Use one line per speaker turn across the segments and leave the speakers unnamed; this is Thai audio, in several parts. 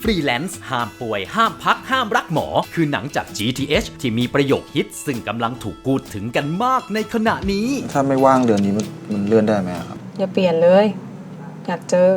ฟรีแลนซ์ห้ามป่วยห้ามพักห้ามรักหมอคือหนังจาก GTH ที่มีประโยคฮิตซึ่งกำลังถูกพูดถึงกันมากในขณะนี้
ถ้าไม่ว่างเดือนนี้มันเลื่อนได้ไหมครับ
อย่าเปลี่ยนเลย อยากเจอ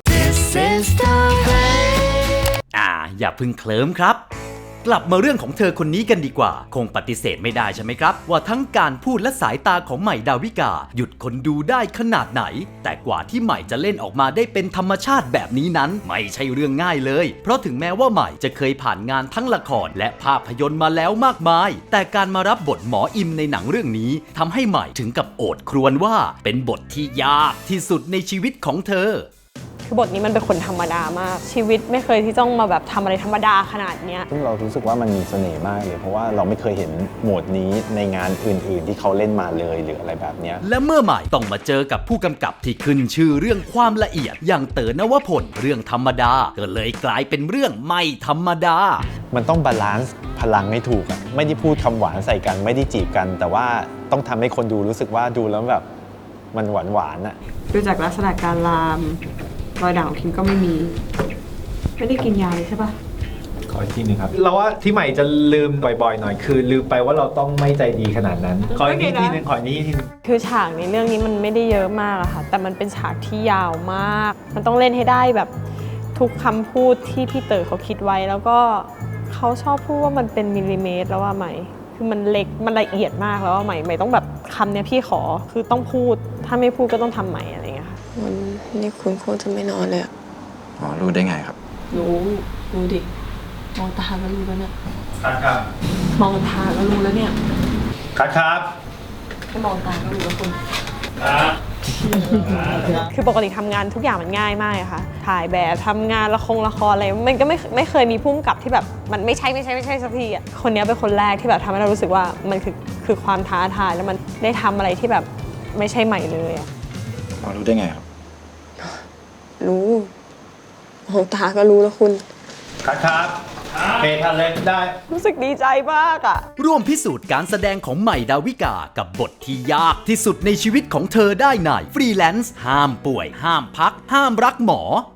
อย่าพึ่งเคลิ้มครับกลับมาเรื่องของเธอคนนี้กันดีกว่าคงปฏิเสธไม่ได้ใช่ไหมครับว่าทั้งการพูดและสายตาของใหม่ดาวิกาหยุดคนดูได้ขนาดไหนแต่กว่าที่ใหม่จะเล่นออกมาได้เป็นธรรมชาติแบบนี้นั้นไม่ใช่เรื่องง่ายเลยเพราะถึงแม้ว่าใหม่จะเคยผ่านงานทั้งละครและภาพยนตร์มาแล้วมากมายแต่การมารับบทหมออิมในหนังเรื่องนี้ทำให้ใหม่ถึงกับโอดครวญว่าเป็นบทที่ยากที่สุดในชีวิตของเธอ
คือบทนี้มันเป็นคนธรรมดามากชีวิตไม่เคยที่ต้องมาแบบทำอะไรธรรมดาขนาดเนี้ย
ซึ่งเรารู้สึกว่ามันมีเสน่ห์มากเลยเพราะว่าเราไม่เคยเห็นโหมดนี้ในงานอื่นๆที่เขาเล่นมาเลยหรืออะไรแบบนี้
และเมื่อใหม่ต้องมาเจอกับผู้กำกับที่ขึ้นชื่อเรื่องความละเอียดอย่างเต๋อนวพลเรื่องธรรมดาก็เลยกลายเป็นเรื่องไม่ธรรมดา
มันต้องบาลานซ์พลังให้ถูกอ่ะไม่ได้พูดคำหวานใส่กันไม่ได้จีบกันแต่ว่าต้องทำให้คนดูรู้สึกว่าดูแล้วแบบมันหวานอ่ะ
ดูจากลักษณะการลามรอยด่างของคิมก็ไม่มีไม่ได้กินยาเลยใช่ปะ
ขออีกทีนึงครับเราว่าที่ใหม่จะลืมบ่อยๆหน่อยคือลืมไปว่าเราต้องไม่ใจดีขนาดนั้นขออีกทีนึงขออีกทีนึง
คือฉากในเรื่องนี้มันไม่ได้เยอะมากอะค่ะแต่มันเป็นฉากที่ยาวมากมันต้องเล่นให้ได้แบบทุกคำพูดที่พี่เต๋อเขาคิดไว้แล้วก็เขาชอบพูดว่ามันเป็นมิลลิเมตรแล้วว่าไหมคือมันเล็กมันละเอียดมากแล้วว่าไหมต้องแบบคำเนี้ยพี่ขอคือต้องพูดถ้าไม่พูดก็ต้องทำใหม่อะไรเงี้ยค่ะ
วันนี้คุณโคตรจะไม่นอนเลยอะ
อ๋อรู้ได้ไงครับ
รู้ดิมองตาก็รู้แล้วเนี่ย
ครับ
มองตาก็รู้แล้วเนี่ย
ครับ
แค่มองตาก็รู้แล้วคุณ
คือปกติทำงานทุกอย่างมันง่ายมากค่ะถ่ายแบบทำงานละครอะไรมันก็ไม่เคยมีพุ่มกับที่แบบมันไม่ใช่สักทีอ่ะคนนี้เป็นคนแรกที่แบบทำให้เรารู้สึกว่ามันคือความท้าทายแล้วมันได้ทำอะไรที่แบบไม่ใช่ใหม่เลยอ่ะ
รู้ได้ไงครับ
รู้มองตาก็รู้แล้วคุณ
ครับเปทันเลยได้
รู้สึกดีใจมากอ่ะ
ร่วมพิสูจน์การแสดงของใหม่ดาวิกากับบทที่ยากที่สุดในชีวิตของเธอได้ในฟรีแลนซ์ห้ามป่วยห้ามพักห้ามรักหมอ